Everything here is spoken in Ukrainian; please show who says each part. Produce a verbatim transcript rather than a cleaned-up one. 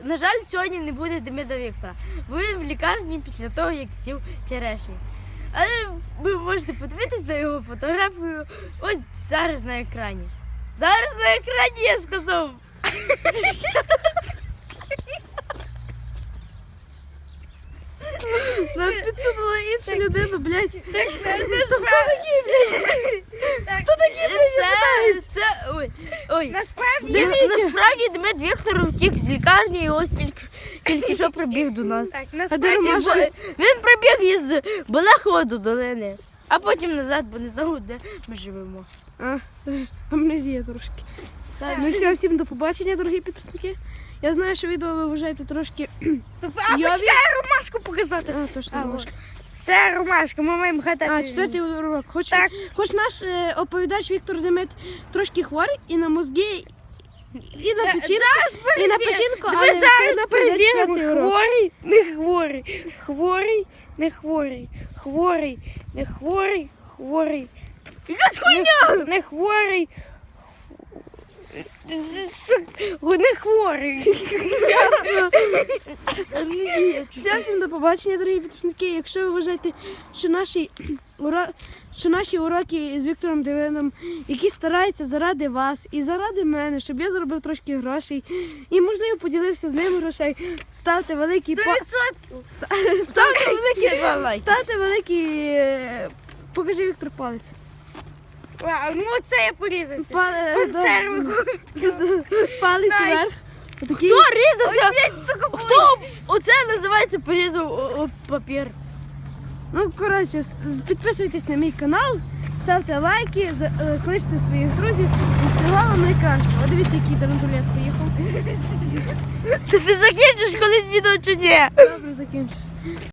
Speaker 1: на жаль, сьогодні не буде Демида Віктора. Ви в лікарні після того, як сів черешні. Але ви можете подивитись на його фотографію ось зараз на екрані. Зараз на екрані я сказав.
Speaker 2: Нам підсунула іншу людину, блядь.
Speaker 1: Так не справді, блядь. Хто такі, блядь? Це, це, ой, ой.
Speaker 3: Насправді,
Speaker 1: Дивіться. Насправді Демид Віктор втік з лікарні і ось тільки, тільки що прибіг до нас.
Speaker 3: так,
Speaker 2: А де
Speaker 3: насправді,
Speaker 2: Ромашка?
Speaker 1: Він прибіг із Болехова до долини, а потім назад, бо не знав, де ми живемо.
Speaker 2: А, амнезія трошки.
Speaker 1: Так.
Speaker 2: Ну все, всім до побачення, дорогі підписники. Я знаю, що відео ви вважаєте трошки.
Speaker 3: а
Speaker 2: Йові.
Speaker 3: почекай Ромашку показати.
Speaker 2: А, точно,
Speaker 3: А,
Speaker 2: Ромашка.
Speaker 3: Це Ромашка, ми маємо гадати.
Speaker 2: А, четвертий урок. Хоч,
Speaker 3: Так.
Speaker 2: хоч наш е, оповідач Віктор Демид трошки хворий і на мозги, і на печінку, і на печінку,
Speaker 3: Ми
Speaker 2: але все
Speaker 3: зараз
Speaker 2: одно пройде четвертий
Speaker 3: перевіримо,
Speaker 2: урок.
Speaker 3: хворий, не хворий, хворий, не хворий, хворий, не хворий, хворий.
Speaker 1: Якась хуйня!
Speaker 3: Не хворий. Не хворий.
Speaker 2: Все, всім до побачення, дорогі підписники. Якщо ви вважаєте, що наші, уро... що наші уроки з Віктором Демидом, які стараються заради вас і заради мене, щоб я заробив трошки грошей і, можливо, поділився з ним грошей, ставте великий па... Ста- ставте великий
Speaker 1: лайки.
Speaker 2: ставте великий... е, Покажи, Віктор, палець.
Speaker 3: Вау, ну це я порізався.
Speaker 2: Па... е,
Speaker 3: Консерви.
Speaker 2: Палець
Speaker 3: Найс.
Speaker 2: вверх. Отакий.
Speaker 1: Хто різався? Хто? Оце називається порізав о, о, папір.
Speaker 2: Ну, коротше, с- підписуйтесь на мій канал, ставте лайки, за- е, кличте своїх друзів. І всього вам найкращого. О, дивіться, який драндулет поїхав.
Speaker 1: Ти, ти закінчиш колись відео чи ні?
Speaker 2: Добре, закінчу.